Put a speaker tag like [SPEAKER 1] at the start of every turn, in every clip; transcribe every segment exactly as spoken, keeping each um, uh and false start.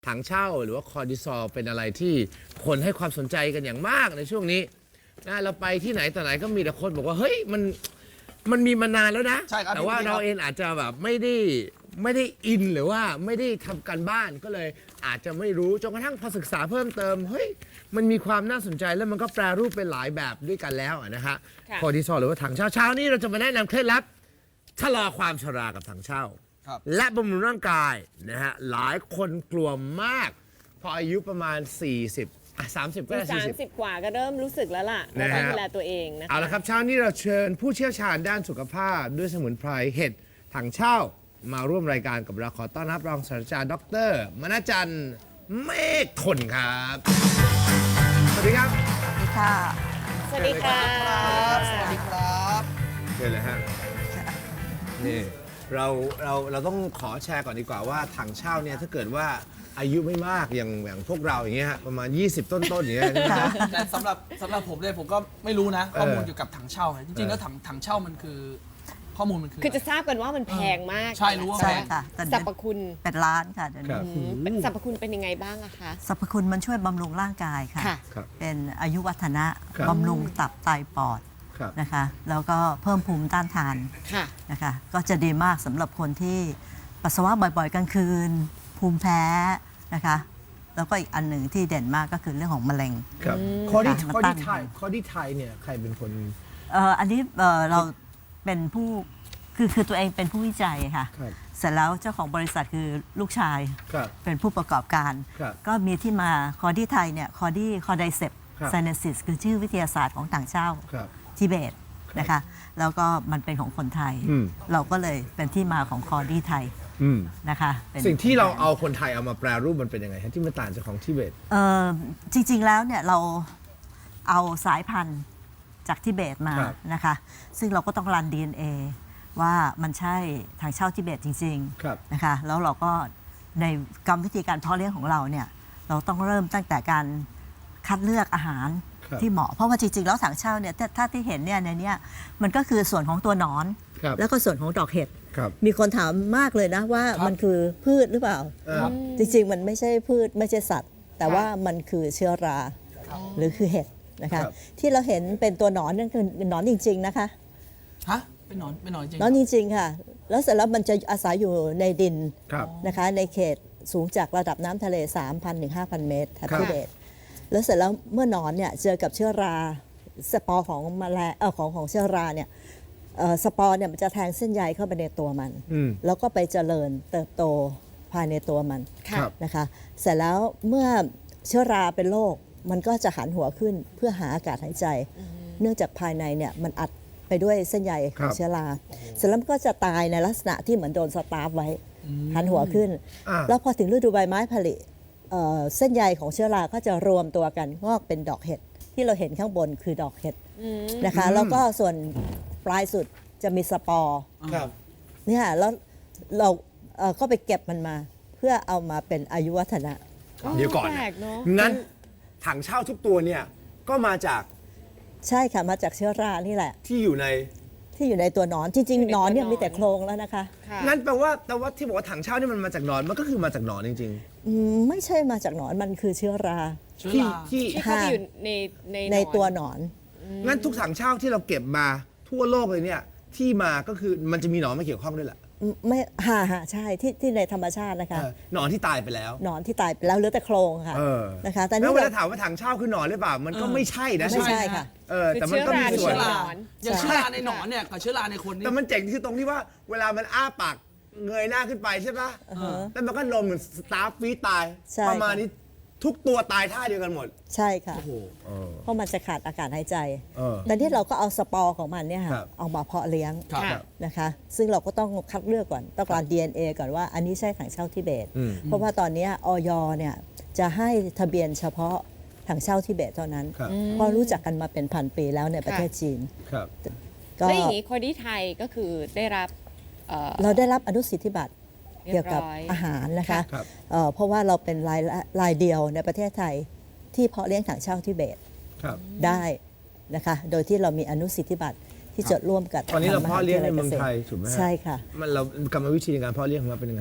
[SPEAKER 1] ถังเช่าหรือว่าคอร์ติซอลเป็นอะไรที่คนให้ความสนใจกันอย่างมากในช่วงนี้นะเราไปที่ไหนต่อไหนก็มีแต่คนบอกว่าเฮ้ยมันมันมีมานานแล้วนะ
[SPEAKER 2] ใช่ครับ
[SPEAKER 1] แต่ว่าเราเองอาจจะแบบไม่ได้ไม่ได้อินหรือว่าไม่ได้ทำการบ้านก็เลยอาจจะไม่รู้จนกระทั่งพอศึกษาเพิ่มเติมเฮ้ยมันมีความน่าสนใจแล้วมันก็แปรรูปเป็นหลายแบบด้วยกันแล้วนะฮะคอร์ติซอลหรือว่าถังเช่าเช้านี้เราจะมาแนะนำเคล็ดลับชะลอความชรากับถังเช่าและบำรุงร่างกายนะฮะหลายคนกลัวมากพออายุประมาณ สี่สิบอ่ะสามสิบก็ได้
[SPEAKER 3] สา
[SPEAKER 1] สี่
[SPEAKER 3] ม
[SPEAKER 1] สิบ
[SPEAKER 3] สิบกว่าก็เริ่มรู้สึกแล้วล่ะว่า
[SPEAKER 1] นะฮะ
[SPEAKER 3] ต้องดูแลตัวเองนะคะ
[SPEAKER 1] เอาละครับเช้านี้เราเชิญผู้เชี่ยวชาญด้านสุขภาพด้วยสมุนไพรเห็ดถังเช่ามาร่วมรายการกับเราขอต้อนรับรองศาสตราจารย์ดรมณจันทร์เมฆทนครับสวัสดีครับ
[SPEAKER 4] ค่ะ
[SPEAKER 3] สวัสดีค่ะ
[SPEAKER 2] สวัสดีครับ
[SPEAKER 1] เชิญเลยฮะนี่เราเราเราต้องขอแชร์ก่อนดีกว่าว่าถังเช่าเนี่ยถ้าเกิดว่าอายุไม่มากอย่างอย่างพวกเราอย่างเงี้ยฮะประมาณ ยี่สิบ ต้นๆอย่างเงี้ยใช่ไหมฮะ
[SPEAKER 2] แต่สำหรับสำหรับผมเนี่ยผมก็ไม่รู้นะข้อมูล
[SPEAKER 1] เออ
[SPEAKER 2] เกี่ยวกับถังเช่าเนี่ยจริงๆแล้วถังถังเช่ามันคือข้อมูลมันคือ
[SPEAKER 3] คือจะทราบกันว่ามันแพงมาก
[SPEAKER 2] ใช่รู้ว่า
[SPEAKER 4] ใช่
[SPEAKER 2] แพง
[SPEAKER 4] ค่ะแต่
[SPEAKER 3] สรรพคุณ
[SPEAKER 4] เป็นล้านค่ะเดี๋ยว
[SPEAKER 1] ครั
[SPEAKER 4] นี้
[SPEAKER 1] บ
[SPEAKER 3] อืมเป็นสรรพคุณเป็นยังไงบ้างอะคะ
[SPEAKER 4] สรรพคุณมันช่วยบำรุงร่างกายค่ะ
[SPEAKER 3] ค่ะ
[SPEAKER 1] ครับ
[SPEAKER 4] เป็นอายุวัฒนะครับ บำรุงตับไตปอด
[SPEAKER 1] ครับ
[SPEAKER 4] นะคะ แล้วก็เพิ่มภูมิต้านทาน
[SPEAKER 3] ค่ะ
[SPEAKER 4] นะคะ ก็จะดีมากสำหรับคนที่ปัสสาวะบ่อยๆกลางคืน ภูมิแพ้นะคะ แล้วก็อีกอันหนึ่งที่เด่นมากก็คือเรื่องของมะเร็ง
[SPEAKER 1] ครับข้อที่
[SPEAKER 4] ค่ะ
[SPEAKER 1] ข้อ
[SPEAKER 4] มันตั้
[SPEAKER 1] ที่
[SPEAKER 4] ง
[SPEAKER 1] ไทยข้อที่ไทยเนี่ยใครเป็นคน
[SPEAKER 4] เอ่ออันนี้เอ่อเราเป็นผู้คือคือตัวเองเป็นผู้วิจัยค่ะ
[SPEAKER 1] ครับ
[SPEAKER 4] เสร็จแล้วเจ้าของบริษัทคือลูกชาย
[SPEAKER 1] ครับ
[SPEAKER 4] เป็นผู้ประกอบการ
[SPEAKER 1] ครับ
[SPEAKER 4] ก็มีที่มาคอร์ดี้ไทยเนี่ยคอร์ดี้คอร์ไดเซป
[SPEAKER 1] ครับ
[SPEAKER 4] ไซเนซิสคือชื่อวิทยาศาสตร์ของต่างเช่า
[SPEAKER 1] ครับ
[SPEAKER 4] ทิเบตนะคะแล้วก็มันเป็นของคนไทย
[SPEAKER 1] อืม
[SPEAKER 4] เราก็เลยเป็นที่มาของคอร์ดี้ไทย
[SPEAKER 1] อืม
[SPEAKER 4] นะคะเป็น
[SPEAKER 1] สิ่งที่เราเอาคนไทยเอามาแปรรูปมันเป็นยังไงฮะที่มันต่างจากของทิเบต
[SPEAKER 4] เอ่อจริงๆแล้วเนี่ยเราเอาสายพันธุ์จากทิเบตมา
[SPEAKER 1] ครับ
[SPEAKER 4] นะคะซึ่งเราก็ต้องรัน ดี เอ็น เอ ว่ามันใช่ทางเช่าทิเบตจริง
[SPEAKER 1] ครับ
[SPEAKER 4] ๆนะคะแล้วเราก็ในกรรมวิธีการเพาะเลี้ยงของเราเนี่ยเราต้องเริ่มตั้งแต่การคัดเลือกอาหาร
[SPEAKER 1] ครับ
[SPEAKER 4] ที่เหมาะเพราะว่าจริงๆแล้วถังเช่าเนี่ยถ้าถ้าที่เห็นเนี่ยในเนี้ยมันก็คือส่วนของตัวหนอน
[SPEAKER 1] ครับ
[SPEAKER 4] แล้วก็ส่วนของดอกเห็ด
[SPEAKER 1] ครับ
[SPEAKER 4] มีคนถามมากเลยนะว่า
[SPEAKER 2] ครับ
[SPEAKER 4] มันคือพืชหรือเปล่า
[SPEAKER 2] ครับ
[SPEAKER 4] จริงๆ มันไม่ใช่พืชไม่ใช่สัตว์ แต่ว่ามันคือเชื้อราหรือคือเห็ดนะคะ
[SPEAKER 1] ครับ
[SPEAKER 4] ที่เราเห็นเป็นตัวหนอนนั่นคือหนอนจริงๆนะคะ
[SPEAKER 2] ฮะเป็นหนอนเป็นหนอนจริง
[SPEAKER 4] หนอนจริงๆค่ะ แล้วเสร็จแล้วมันจะอาศัยอยู่ในดิน
[SPEAKER 1] ครับ
[SPEAKER 4] นะคะในเขตสูงจากระดับน้ำทะเล สามพัน ถึง ห้าพัน เมตรแถบ
[SPEAKER 1] ครับ
[SPEAKER 4] ทิเบตแล้วเสร็จแล้วเมื่อหนอนเนี่ยเจอกับเชื้อราสปอร์ของแมลงเออของของเชื้อราเนี่ยเอ่อสปอร์เนี่ยมันจะแทงเส้นใยเข้าไปในตัวมัน
[SPEAKER 1] อืม
[SPEAKER 4] แล้วก็ไปเจริญเติบโตภายในตัวมัน
[SPEAKER 1] ครับ
[SPEAKER 4] นะคะเสร็จแล้วเมื่อเชื้อราเป็นโรคมันก็จะหันหัวขึ้นเพื่อหาอากาศหายใจ เนื่องจากภายในเนี่ยมันอัดไปด้วยเส้นใยข
[SPEAKER 1] ครั
[SPEAKER 4] อง
[SPEAKER 1] บ
[SPEAKER 4] เชื้อราเสร็จแล้วมันก็จะตายในลักษณะที่เหมือนโดนสตาร์ฟไว้ หันหัวขึ้น
[SPEAKER 1] อ่า
[SPEAKER 4] แล้วพอถึงฤดูใบไม้ผลิเอ่อเส้นใยของเชื้อราก็จะรวมตัวกันงอกเป็นดอกเห็ดที่เราเห็นข้างบนคือดอกเห็ดนะคะแล้วก็ส่วนปลายสุดจะมีสปอร์
[SPEAKER 1] ครับ
[SPEAKER 4] เนี่ยแล้วเราเอ่อก็ไปเก็บมันมาเพื่อเอามาเป็นอายุวัฒนะ
[SPEAKER 1] เดี๋ยวก่อน
[SPEAKER 3] แปล
[SPEAKER 1] นะ
[SPEAKER 3] กเนอะ
[SPEAKER 1] งั้นถังเช่าทุกตัวเนี่ยก็มาจาก
[SPEAKER 4] ใช่ค่ะมาจากเชื้อรานี่แหละ
[SPEAKER 1] ที่อยู่ใน
[SPEAKER 4] ที่อยู่ในตัวหนอนจริงๆหนอนเนี่ยมีแต่โครงแล้วนะคะ
[SPEAKER 3] ค่ะ
[SPEAKER 1] งั้นแปลว่าแต่ว่าที่บอกว่าถังเช่านี่มันมาจากหนอนมันก็คือมาจากหนอนจริง
[SPEAKER 4] อืมไม่ใช่มาจากหนอนมันคือเชื้อรา
[SPEAKER 2] เชื้
[SPEAKER 1] ๆ
[SPEAKER 2] อ
[SPEAKER 1] ที่
[SPEAKER 2] รา
[SPEAKER 1] ที่
[SPEAKER 3] ที่เข้าไปอยู่ในใน
[SPEAKER 4] ใน
[SPEAKER 3] หอ
[SPEAKER 4] ตัวหนอน
[SPEAKER 1] งั้นทุกถังเช่าที่เราเก็บมาทั่วโลกเลยเนี่ยที่มาก็คือมันจะมีหนอนมาเกี่ยวข้องด้วยแหละ
[SPEAKER 4] ไม่ฮ่าฮ่าใช่ที่ที่ในธรรมชาตินะคะ
[SPEAKER 1] เออหนอนที่ตายไปแล้ว
[SPEAKER 4] หนอนที่ตายไปแล้วเหลือแต่โครงค่ะ
[SPEAKER 1] เออ
[SPEAKER 4] นะคะแต่
[SPEAKER 1] แล้
[SPEAKER 4] นี่
[SPEAKER 1] วเว
[SPEAKER 4] เรา
[SPEAKER 1] ลาถามว่าถังเช่าคือหนอนหรือเปล่ามันก็ไม่ใช่นะ
[SPEAKER 4] ไม่ใช่ค่ะ
[SPEAKER 1] เออแต่มันก็มี
[SPEAKER 3] คือ
[SPEAKER 1] ส่
[SPEAKER 3] เชื้
[SPEAKER 1] วน
[SPEAKER 3] อ
[SPEAKER 2] เชื้อ
[SPEAKER 3] รา
[SPEAKER 2] ราอย่างเชื้อราในหนอนเนี่ยกับเชื้อราในคนนี่
[SPEAKER 1] แต่มันเจ๋งที่ตรงที่ว่าเวลามันอ้าปากเงยหน้าขึ้นไปใช่ปะแล้วมันก็ลมเหมือนสตาร์ฟฟีตาย
[SPEAKER 4] ใช่
[SPEAKER 1] ประมาณนี้ทุกตัวตายท่าเดียวกันหมด
[SPEAKER 4] ใช่ค่ะ
[SPEAKER 1] โอ้โหเออ
[SPEAKER 4] เพราะมันจะขาดอากาศหายใจ
[SPEAKER 1] เออ
[SPEAKER 4] แต่ที่เราก็เอาสปอร์ของมันเนี่ย
[SPEAKER 1] ครั
[SPEAKER 4] ค่ะ
[SPEAKER 1] บ
[SPEAKER 4] เอามาเพาะเลี้ยง
[SPEAKER 2] ครับ
[SPEAKER 3] ค่ะ
[SPEAKER 4] นะคะ ซึ่งเราก็ต้องคัดเลือกก่อนต้องการ ดี เอ็น เอ ก่อนว่าอันนี้ใช่ถังเช่าทิเบต
[SPEAKER 1] อืม
[SPEAKER 4] เพราะว่าตอนเนี้ยออยเนี่ยจะให้ทะเบียนเฉพาะถังเช่าทิเบตเท่านั้น
[SPEAKER 1] ครับ
[SPEAKER 4] เพราะรู้จักกันมาเป็นพันปีแล้วในประเทศจีน
[SPEAKER 1] ครับ
[SPEAKER 4] ก็
[SPEAKER 3] แล้วอย่างนี้คอดี้ไทยก็คือได้รับเอ่อ
[SPEAKER 4] เราได้รับอนุสิทธิบัตร
[SPEAKER 3] เรี
[SPEAKER 4] เกี่
[SPEAKER 3] ย
[SPEAKER 4] ย
[SPEAKER 3] บ
[SPEAKER 4] วกับ
[SPEAKER 3] ร้อย
[SPEAKER 4] อาหารนะคะ
[SPEAKER 1] ครับ
[SPEAKER 4] เอ่อเพราะว่าเราเป็นรายละรายเดียวในประเทศไทยที่เพาะเลี้ยงถังเช่าทิเบต
[SPEAKER 1] ครับ
[SPEAKER 4] ได้นะคะ โดยที่เรามีอนุสิทธิบัตรที่จดร่วมกับ
[SPEAKER 1] ตอนนี้เรา
[SPEAKER 4] ทงมห
[SPEAKER 1] เพาะเลี้ยงในเมือง
[SPEAKER 4] วิท
[SPEAKER 1] ไทย
[SPEAKER 4] กษตร
[SPEAKER 1] ถูกไหมฮะ
[SPEAKER 4] ใช่ค่ะ
[SPEAKER 1] มันเรากรรมวิธีในการเพาะเลี้ยงของเราเป็นยังไงฮะ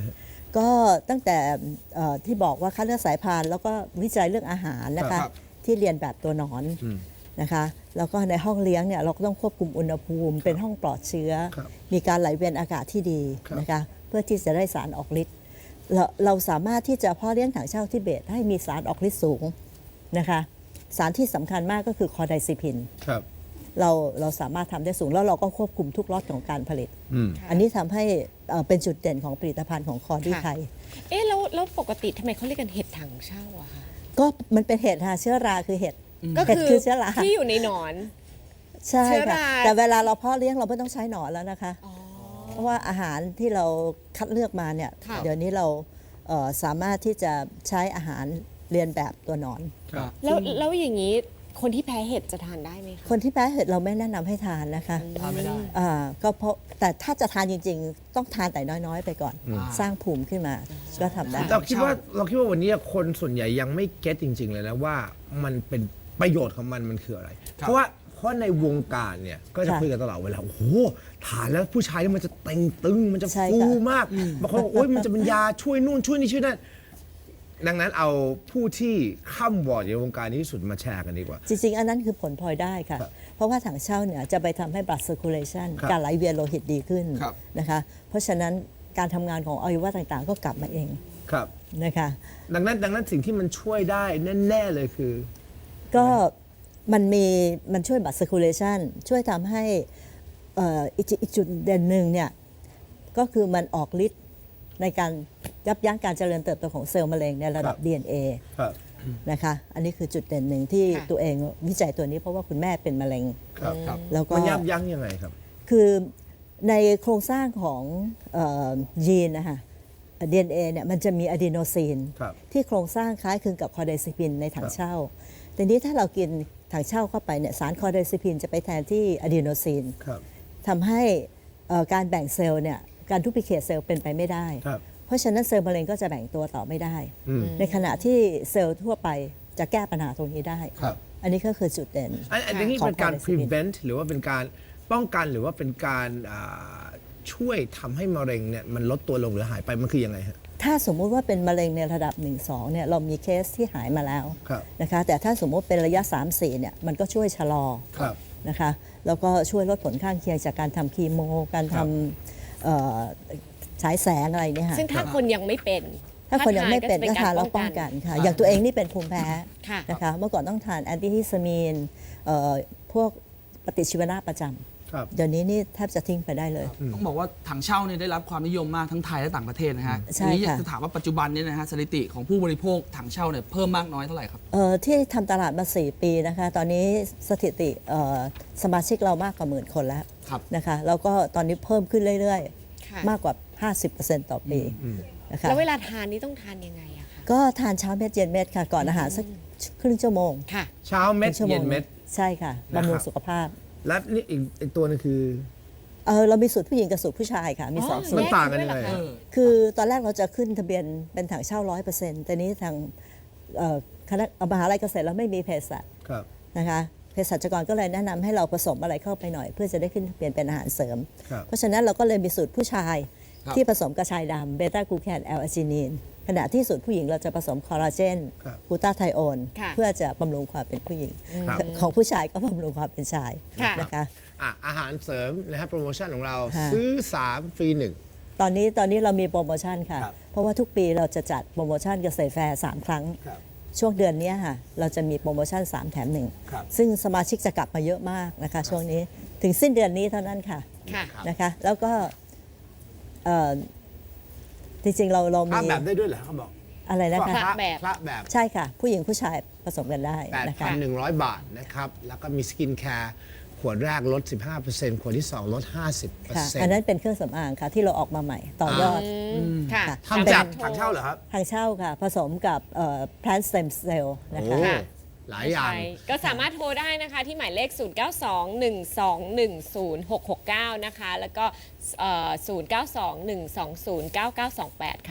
[SPEAKER 4] ก็ตั้งแต่เอ่อที่บอกว่าคัดเลือกสายพันธุ์แล้วก็วิจัยเรื่องอาหารนะคะ
[SPEAKER 1] ครับ
[SPEAKER 4] ที่เรียนแบบตัวหนอน
[SPEAKER 1] อืม
[SPEAKER 4] นะคะแล้วก็ในห้องเลี้ยงเนี่ยเราก็ต้องควบคุมอุณหภูมิ เป็นห้องปลอดเชื้อ
[SPEAKER 1] ครับ
[SPEAKER 4] มีการไหลเวียนอากาศที่ดี
[SPEAKER 1] ครับ
[SPEAKER 4] นะคะเพื่อที่จะได้สารออกฤทธิ์เราเราสามารถที่จะเพาะเลี้ยงถังเช่าทิเบตให้มีสารออกฤทธิ์สูงนะคะสารที่สำคัญมากก็คือคอไดซิพิน
[SPEAKER 1] ครับ
[SPEAKER 4] เราเราสามารถทำได้สูงแล้วเราก็ควบคุมทุกล็อตของการผลิต
[SPEAKER 1] อืม
[SPEAKER 4] อันนี้ทำให้เอ่อเป็นจุดเด่นของผลิตภัณฑ์ของคอร์ดี้
[SPEAKER 3] ค่ะ
[SPEAKER 4] ไทย
[SPEAKER 3] เอ๊ะแล้วแล้วปกติทำไมเขาเรียกกันเห็ดถังเช่าอะคะ
[SPEAKER 4] ก็มันเป็นเห็ดค่ะเชื้อราคือเห็ด
[SPEAKER 3] ก็
[SPEAKER 4] เห็ด
[SPEAKER 3] คือ
[SPEAKER 4] คือเชื้อรา
[SPEAKER 3] ที่อยู่ในหนอน
[SPEAKER 4] ใช่
[SPEAKER 3] เชื้อ
[SPEAKER 4] ค่ะ
[SPEAKER 3] รา
[SPEAKER 4] แต่เวลาเราเพาะเลี้ยงเราไม่ต้องใช้หนอนแล้วนะคะ
[SPEAKER 3] อ๋อ
[SPEAKER 4] เพราะว่าอาหารที่เราคัดเลือกมาเนี่ย
[SPEAKER 3] ค่ะ
[SPEAKER 4] เดี๋ยวนี้เราเอ่อสามารถที่จะใช้อาหารเรียนแบบตัวหนอน
[SPEAKER 1] ครับ
[SPEAKER 3] แล้วแล้วอย่างนี้คนที่แพ้เห็ดจะทานได้ไหมคะ
[SPEAKER 4] คนที่แพ้เห็ดเราไม่แนะนำให้ทานนะคะ
[SPEAKER 2] ทานไม่ได้
[SPEAKER 4] อ่าก็เพราะแต่ถ้าจะทานจริงๆ ต้องทานแต่น้อยๆ ไปก่อน สร้างภูมิขึ้นมาก็ทำได้
[SPEAKER 1] เราคิดว่าเราคิดว่าวันนี้คนส่วนใหญ่ยังไม่เก็ตจริง ๆ เลยนะว่ามันเป็นประโยชน์ของมันมันคืออะไร เพราะว่าเพราะในวงการเนี่ยก็จะ
[SPEAKER 4] ค่ะ
[SPEAKER 1] คุยกันตลอดเวลาโอ้โหทานแล้วผู้ชายนี่มันจะเต่งตึงมันจะ
[SPEAKER 4] ใช่
[SPEAKER 1] ฟู
[SPEAKER 4] ค่ะ
[SPEAKER 1] มากบางคนบอกโอ๊ยมันจะเป็นยาช่วยนู่นช่วยนี่ช่วยนั่นดังนั้นเอาผู้ที่ข้ามวอร์ดในวงการนี้ที่สุดมาแชร์กันดีกว่า
[SPEAKER 4] จริงๆ อันนั้นคือผลพลอยได้ค่ะ
[SPEAKER 1] ครับ
[SPEAKER 4] เพราะว่าถังเช่าเนี่ยจะไปทำให้ blood circulation
[SPEAKER 1] ครับ
[SPEAKER 4] การไหลเวียนโลหิตดีขึ้น
[SPEAKER 2] ครับ
[SPEAKER 4] นะคะ เพราะฉะนั้นการทำงานของอวัยวะต่างๆ ก็กลับมาเอง
[SPEAKER 1] ครับ
[SPEAKER 4] นะคะ
[SPEAKER 1] ดังนั้นดังนั้นสิ่งที่มันช่วยได้แน่ๆเลยคือ
[SPEAKER 4] ก็มันมีมันช่วย blood circulation ช่วยทำให้เอ่ออีกจุดอีกจุดเด่นหนึ่งเนี่ยก็คือมันออกฤทธิ์ในการยับยั้งการเจริญเติบโตของเซลล์มะเร็งในระดับ
[SPEAKER 1] ครับ
[SPEAKER 4] ดี เอ็น เอ
[SPEAKER 1] ครับ
[SPEAKER 4] นะคะ อันนี้คือจุดเด่นหนึ่งที่
[SPEAKER 3] ค่ะ
[SPEAKER 4] ตัวเองวิจัยตัวนี้เพราะว่าคุณแม่เป็นมะเร็ง
[SPEAKER 1] ครับครับ
[SPEAKER 4] แล้วก็
[SPEAKER 1] มันยับยั้งยังไงครับ
[SPEAKER 4] คือในโครงสร้างของเอ่อยีนนะคะ ดี เอ็น เอ เนี่ยมันจะมีอะดีโนซีน
[SPEAKER 1] ครับ
[SPEAKER 4] ที่โครงสร้างคล้ายคลึงกับคอไดซิปินในถังเช่า แต่นี้ถ้าเรากินถังเช่าเข้าไปเนี่ยสารคอไดซิปินจะไปแทนที่อะดีโนซีน
[SPEAKER 1] ครับ
[SPEAKER 4] ทำให้เอ่อการแบ่งเซลล์เนี่ยการดูพิเคทเซลล์เป็นไปไม่ได้
[SPEAKER 1] ครับ
[SPEAKER 4] เพราะฉะนั้นเซลล์มะเร็งก็จะแบ่งตัวต่อไม่ได้
[SPEAKER 1] อืม
[SPEAKER 4] ในขณะที่เซลล์ทั่วไปจะแก้ปัญหาตรงนี้ได้
[SPEAKER 1] ครับ
[SPEAKER 4] อันนี้ก็คือจุดเด่น
[SPEAKER 1] อันอันนี้
[SPEAKER 4] ของ
[SPEAKER 1] เป็นการ
[SPEAKER 4] cholesterin
[SPEAKER 1] prevent หรือว่าเป็นการป้องกันหรือว่าเป็นการอ่าช่วยทำให้มะเร็งเนี่ยมันลดตัวลงหรือหายไปมันคือยังไงฮะ
[SPEAKER 4] ถ้าสมมุติว่าเป็นมะเร็งในระดับ หนึ่ง สอง เนี่ยเรามีเคสที่หายมาแล้ว
[SPEAKER 1] ครับ
[SPEAKER 4] นะคะแต่ถ้าสมมุติเป็นระยะ สาม สี่ เนี่ยมันก็ช่วยชะลอ
[SPEAKER 1] ครับ
[SPEAKER 4] นะคะแล้วก็ช่วยลดผลข้างเคียงจากการทำคีโม การ
[SPEAKER 1] ครั
[SPEAKER 4] ท
[SPEAKER 1] บ
[SPEAKER 4] ำเอ่อฉายแสงอะไรเนี่ยค่ะ
[SPEAKER 3] ซึ่งถ้าคนยังไม่เป็น
[SPEAKER 4] ถ้าคนยังไม่เป็นก็ทานแล้ว
[SPEAKER 3] ป้
[SPEAKER 4] ป้
[SPEAKER 3] อ
[SPEAKER 4] อง ง
[SPEAKER 3] กั
[SPEAKER 4] กัน นค่ะ อย่างตัวเองนี่เป็นภูมิแพ้
[SPEAKER 3] ค่ะ
[SPEAKER 4] นะคะเมื่อก่อนต้องทานแอนติฮิสตามีนเอ่อพวกปฏิชีวนะประจ
[SPEAKER 1] ครับ
[SPEAKER 4] ำเดี๋ยวนี้นี่แทบจะทิ้งไปได้เลย
[SPEAKER 2] ต้องบอกว่าถังเช่าเนี่ยได้รับความนิยมมากทั้งไทยและต่างประเทศนะฮะ
[SPEAKER 4] ใช่
[SPEAKER 2] ทีนี้อยาก
[SPEAKER 4] ค่ะ
[SPEAKER 2] จะถามว่าปัจจุบันนี้นะฮะสถิติของผู้บริโภคถังเช่าเนี่ยเพิ่มมากน้อยเท่าไหร่ครับ
[SPEAKER 4] เอ่อที่ทำตลาดมา สี่ ปีนะคะตอนนี้สถิติเอ่อสมาชิกเรามากกว่าหมื่นคนแล้ว
[SPEAKER 2] ครับ
[SPEAKER 4] นะคะแล้วก็ตอนนี้เพิ่มขึ้นเรื่อย
[SPEAKER 3] ค่ะ
[SPEAKER 4] ๆ มากกว่า ห้าสิบเปอร์เซ็นต์ ต่อปีนะคะ
[SPEAKER 3] แล้วเวลาทานนี่ต้องทานยังไงอะคะ
[SPEAKER 4] ก็ทานเช้าเม็ดเย็นเม็ดค่ะ ก่อนอาหารสักครึ่งชั่วโมง
[SPEAKER 3] ค่ะ
[SPEAKER 1] เช้าเม็ด
[SPEAKER 4] ครึ่งชั่วโม
[SPEAKER 1] เย็
[SPEAKER 4] ง
[SPEAKER 1] นเม็ด
[SPEAKER 4] ใช่ค่ะ
[SPEAKER 1] นะครับ
[SPEAKER 4] บำรุงสุขภาพ
[SPEAKER 1] และนี่อีกอีกตัวนึงคือ
[SPEAKER 4] เออเรามีสูตรผู้หญิงกับสูตรผู้ชายค่ะ มีสอง
[SPEAKER 3] อ๋อ
[SPEAKER 4] สู
[SPEAKER 1] มั
[SPEAKER 4] ต
[SPEAKER 1] น
[SPEAKER 4] ร
[SPEAKER 1] ต่างกันยังไง
[SPEAKER 3] แยกกันด้วยเหรอคะ
[SPEAKER 2] เออ
[SPEAKER 4] คือตอนแรกเราจะขึ้นทะเบียนเป็นถังเช่าร้อยเปอร์เซ็นต์แต่นี้ทางเอ่อคณะมหาลัยเกษตรเราไม่มีเภสัช
[SPEAKER 1] ครับ
[SPEAKER 4] นะคะเภสัชกรก็เลยแนะนำให้เราผสมอะไรเข้าไปหน่อย เพื่อจะได้ขึ้นทะเบียนเป็นอาหารเสริม
[SPEAKER 1] ครับ
[SPEAKER 4] เพราะฉะนั้นเราก็เลยมีสูตรผู้ชาย
[SPEAKER 2] ครับ
[SPEAKER 4] ที่ผสมกระชายดำเบต้ากลูแคนแอลอาจินีนขณะที่สูตรผู้หญิงเราจะผสมคอลลาเจน
[SPEAKER 1] ครับ
[SPEAKER 4] กลูตาไทโอน
[SPEAKER 3] ค่ะ
[SPEAKER 4] เพื่อจะบำรุงความเป็นผู้หญิง
[SPEAKER 1] ครับ
[SPEAKER 4] ของผู้ชายก็บำรุงความเป็นชาย
[SPEAKER 3] ค่ะ
[SPEAKER 4] นะคะ
[SPEAKER 1] อ่ะอาหารเสริมนะครับโปรโมชั่นของเรา
[SPEAKER 4] ค่ะ
[SPEAKER 1] ซื้อสามฟรีหนึ่ง
[SPEAKER 4] ตอนนี้ตอนนี้เรามีโปรโมชั่นค่ะ
[SPEAKER 1] ครับ
[SPEAKER 4] เพราะว่าทุกปีเราจะจัดโปรโมชั่นเกษตรแฟร์สามครั้ง
[SPEAKER 1] ครับ
[SPEAKER 4] ช่วงเดือนนี้ค่ะเราจะมีโปรโมชั่นสามแถมหนึ่ง
[SPEAKER 1] ครับ
[SPEAKER 4] ซึ่งสมาชิกจะกลับมาเยอะมากนะคะ ช่วงนี้ถึงสิ้นเดือนนี้เท่านั้นค่ะ
[SPEAKER 3] ค่ะ
[SPEAKER 4] นะคะแล้วก็เอ่อจริงๆเราเรา
[SPEAKER 1] พระ
[SPEAKER 4] มี
[SPEAKER 1] แบบได้ด้วยเหรอเขาบอก
[SPEAKER 4] อะไรนะคะ
[SPEAKER 3] พระแบบ
[SPEAKER 1] พระแบบ
[SPEAKER 4] ใช่ค่ะ ผู้หญิงผู้ชายผสมกันได้นะคะ
[SPEAKER 1] แปดพันหนึ่งร้อย บาทนะครับ แล้วก็มีสกินแคร์ขวดแรกลด สิบห้าเปอร์เซ็นต์ ขวดที่ สอง ลด ห้าสิบเปอร์
[SPEAKER 4] ค่ะ
[SPEAKER 1] เซ็นต์
[SPEAKER 4] อันนั้นเป็นเครื่องสำอางค่ะที่เราออกมาใหม่ต่อยอด
[SPEAKER 3] อืมค่ะ
[SPEAKER 1] ทำจาก
[SPEAKER 3] สมรถ
[SPEAKER 1] ถังเช่าเหรอครับ
[SPEAKER 4] ทางเช่าค่ะ ผสมกับเอ่อ plant stem cell นะ
[SPEAKER 1] โอ้
[SPEAKER 4] คะ
[SPEAKER 1] หลายอย่าง
[SPEAKER 3] ใช่ก็สามารถโทรได้นะคะที่หมายเลข ศูนย์ เก้า สอง หนึ่ง สอง หนึ่ง ศูนย์ หก หก เก้า นะคะ แล้วก็เอ่อศูนย์ เก้า สอง หนึ่ง สอง ศูนย์ เก้า เก้า สอง แปด ค่ะ
[SPEAKER 4] ค่ะ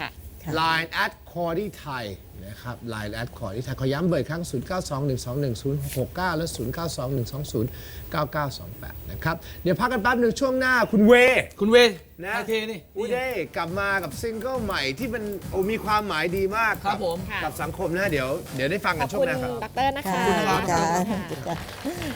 [SPEAKER 1] ไลน์ at c o r d y Thai นะครับ ไลน์ at c o r d y Thai ขอย้ำเบอร์อีกครั้ง ศูนย์ เก้า สอง หนึ่ง สอง หนึ่ง ศูนย์ หก เก้า และ ศูนย์ เก้า สอง หนึ่ง สอง ศูนย์ เก้า เก้า สอง แปด นะครับ เดี๋ยวพักกันแป๊บหนึ่งช่วงหน้าคุณเว
[SPEAKER 2] คุณเว
[SPEAKER 1] นะ
[SPEAKER 2] ไทยเทนี่
[SPEAKER 1] อูเด้กลับมากับซิงเกิลใหม่ที่มันโอ้มีความหมายดีมาก
[SPEAKER 2] ครับผม
[SPEAKER 3] ค่ะ
[SPEAKER 1] กับสังคมนะเดี๋ยวเดี๋ยวได้ฟัง
[SPEAKER 3] ข
[SPEAKER 1] กั
[SPEAKER 3] อน บ
[SPEAKER 1] ช่ว
[SPEAKER 3] คุ
[SPEAKER 1] ง
[SPEAKER 3] ณ
[SPEAKER 1] หน้าครับ
[SPEAKER 3] ดรนะคะ
[SPEAKER 4] ค่ะ
[SPEAKER 3] ขอบคุณ
[SPEAKER 4] จ้า
[SPEAKER 3] ค่ะ
[SPEAKER 4] จ้า